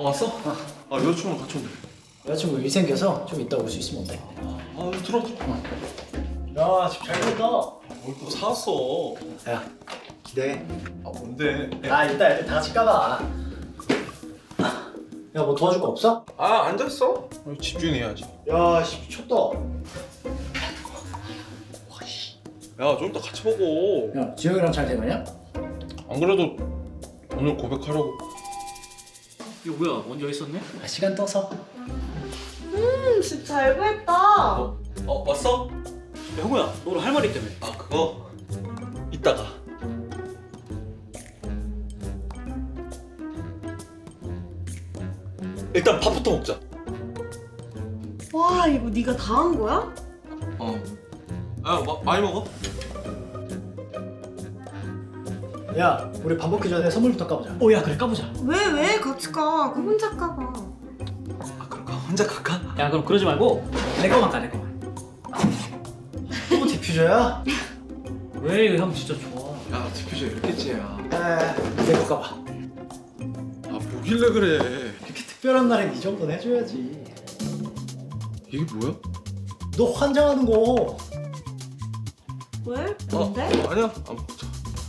왔어? 아 여자친구랑 같이 온대. 여자친구 일 생겨서 좀 이따 올 수 있으면 어때? 들어. 야 집 잘 됐다. 뭘 또 사왔어? 야 기대해. 뭔데? 아 이따 애들 다 같이 까봐. 야 뭐 도와줄 거 없어? 앉았어? 집중해야지. 야씨 미쳤다. 야 좀 이따 같이 먹어. 야 지영이랑 잘 돼가냐? 안 그래도 오늘 고백하려고. 이거 뭐야? 먼저 있었네? 아, 시간 떠서. 집 잘 구했다. 왔어? 야, 형우야, 너 오늘 할 말 있다며? 그거 이따가. 일단 밥부터 먹자. 와, 이거 네가 다 한 거야? 많이 먹어? 야 우리 밥 먹기 전에 선물부터 까보자. 야, 그래, 까보자. 왜? 같이 가. 그 혼자 까봐. 그럴까? 혼자 갈까? 야, 그럼 그러지 말고 내 거만 까, 내 거만. 또 디퓨저야? 왜 이거 형 진짜 좋아? 야 디퓨저 이렇게 째야. 내거 까봐. 뭐길래 그래? 이렇게 특별한 날엔 이 정도는 해줘야지. 이게 뭐야? 너 환장하는 거. 왜? 뭔데? 아니야 안 먹자.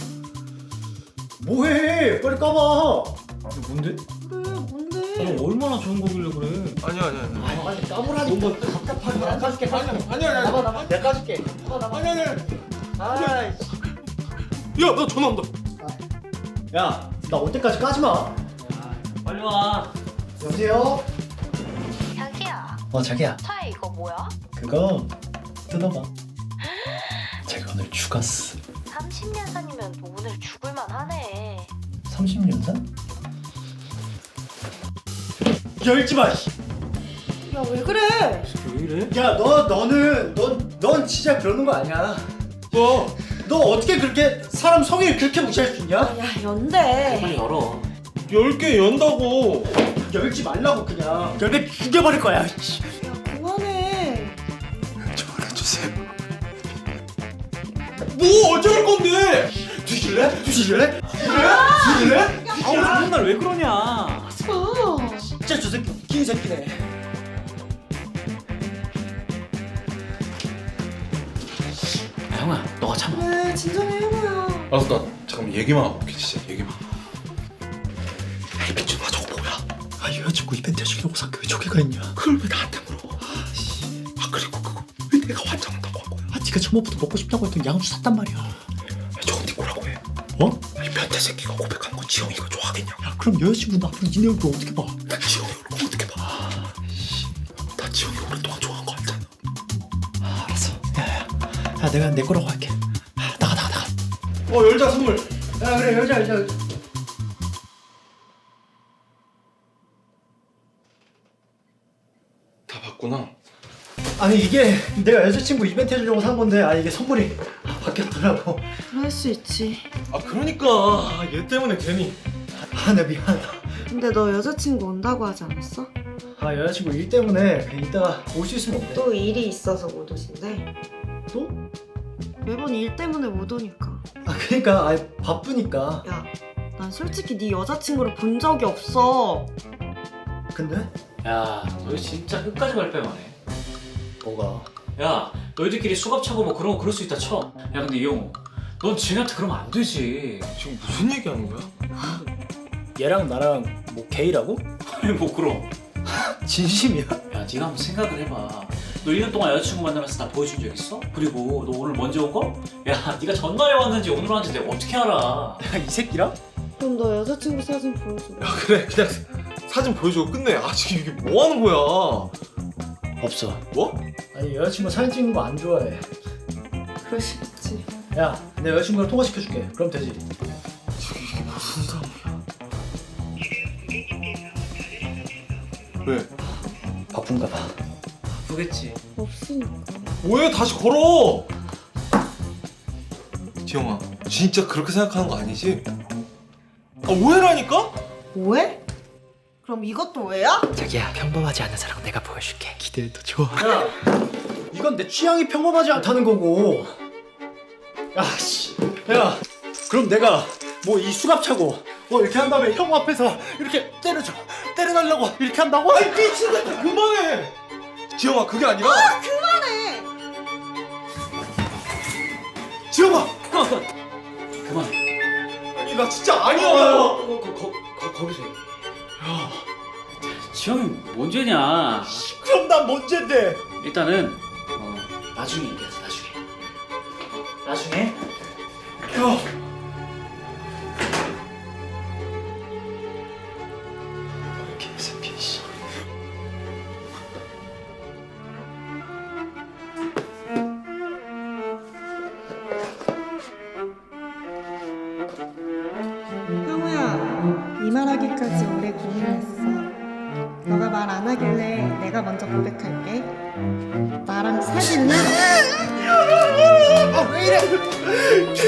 뭐해? 빨리 까봐. 이게 뭔데? 그래, 뭔데? 너 얼마나 좋은 거길래 그래? 아니야. 빨리 까보라니까. 너무 답답하게. 내가 까줄게. 아니야. 나봐. 내가 까줄게. 아니야. 아이씨. 야, 나 전화 온다. 야, 나 올 때까지 까지 마. 야, 빨리 와. 여보세요? 자기야, 자기야. 차에 이거 뭐야? 그거 뜯어봐. 자기 오늘 죽었어. 30년 산이면 너 오늘 죽을만 하네. 30년 산? 열지 마. 씨. 야, 왜 그래? 왜 이래? 야, 넌 진짜 그러는 거 아니야. 너 어떻게 그렇게 사람 성의를 그렇게 무시할 수 있냐? 야, 연대. 빨리 열어. 10개 연다고. 열지 말라고 그냥. 열매 죽여버릴 거야. 씨. 야, 그만해. 전화주세요. 뭐 어쩔 건데? 뒤질래? 뒤질래? 아우, 좋은 날 왜 그러냐? 하지 마. 진짜 저 새끼 웃긴 새끼네. 야, 형아, 너가 참아. 왜? 진정해, 형우야. 알았어, 나 잠깐만 얘기만 하고 올게. 진짜 얘기만. 이 비추마 저거 뭐야? 여자친구 이벤트 해주려고 산 게 왜 저기가 있냐? 그걸 왜 나한테 물어? 그리고 그거 왜 내가 환장한다고 한 거야? 네가 처음부터 먹고 싶다고 했던 양주 샀단 말이야. 저건 네 뭐라고 해? 아니 변태 새끼가 고백한 건 지영이가 좋아하겠냐? 야, 그럼 여자친구는 앞으로 니네 얼굴 어떻게 봐? 나 지영이 얼굴 어떻게 봐? 나 지영이 오랫동안 좋아한 거 알잖아. 알았어. 야, 내가 내 거라고 할게. 나가. 열자 선물. 야, 그래, 열자. 다 봤구나. 아니 이게 내가 여자친구 이벤트 해주려고 산 건데 이게 선물이 바뀌었더라고. 그럴 수 있지. 그러니까 얘 때문에 괜히. 내 미안하다. 근데 너 여자친구 온다고 하지 않았어? 여자친구 일 때문에 그냥 이따가 올 수 있으면 어때? 또 일이 있어서 못 오신대. 또? 매번 일 때문에 못 오니까. 그러니까 바쁘니까. 야, 난 솔직히 네 여자친구를 본 적이 없어. 근데? 야, 너 진짜 끝까지 발뺌하네. 뭐가? 야, 너희들끼리 수갑 차고 뭐 그런 거 그럴 수 있다 쳐. 야, 근데 이영우, 넌 지은한테 그러면 안 되지. 지금 무슨 얘기하는 거야? 얘랑 나랑 뭐 게이라고? 아니, 뭐 그럼. 진심이야? 야, 네가 한번 생각을 해봐. 너 1년 동안 여자친구 만나면서 나 보여준 적 있어? 그리고 너 오늘 먼저 온 거? 야, 네가 전날에 왔는지 오늘 왔는지 내가 어떻게 알아? 이 새끼랑? 그럼 너 여자친구 사진 보여줘. 그래 그냥 사진 보여주고 끝내. 지금 이게 뭐 하는 거야? 없어. 뭐? 아니 여자친구 사진 찍는 거 안 좋아해. 그럴 수 있지. 야, 내 여자친구랑 통화시켜줄게. 그럼 되지. 이게 무슨 상황이야? 왜? 바쁜가 봐. 보겠지. 없으니까. 왜 다시 걸어? 지영아 진짜 그렇게 생각하는 거 아니지? 오해라니까? 뭐해? 그럼 이것도 왜야? 자기야, 평범하지 않은 사랑 내가 보여줄게. 기대해도 좋아. 야, 이건 내 취향이 평범하지 않다는 거고. 야, 그럼 내가 뭐 이 수갑 차고 이렇게 한 다음에 형 앞에서 이렇게 때려줘. 때려달라고 이렇게 한다고? 아이 미친놈 그만해. 지영아 그게 아니라. 그만해. 지영아. 그만해. 아니 나 진짜 아니야. 거기서 얘기해. 지영이 뭔 죄냐? 그럼 난 뭔 죄인데? 일단은 나중에 얘기하자. 나중에. 개새끼 씨. 형우야, 이 말하기까지 오래 고민했어. 너가 말 안 하길래 내가 먼저 고백할게. 나랑 사귈래? 아 왜 이래?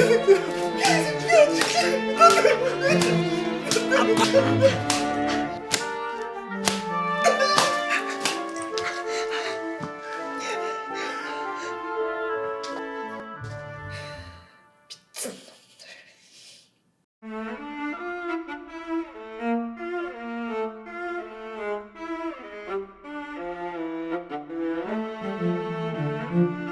응.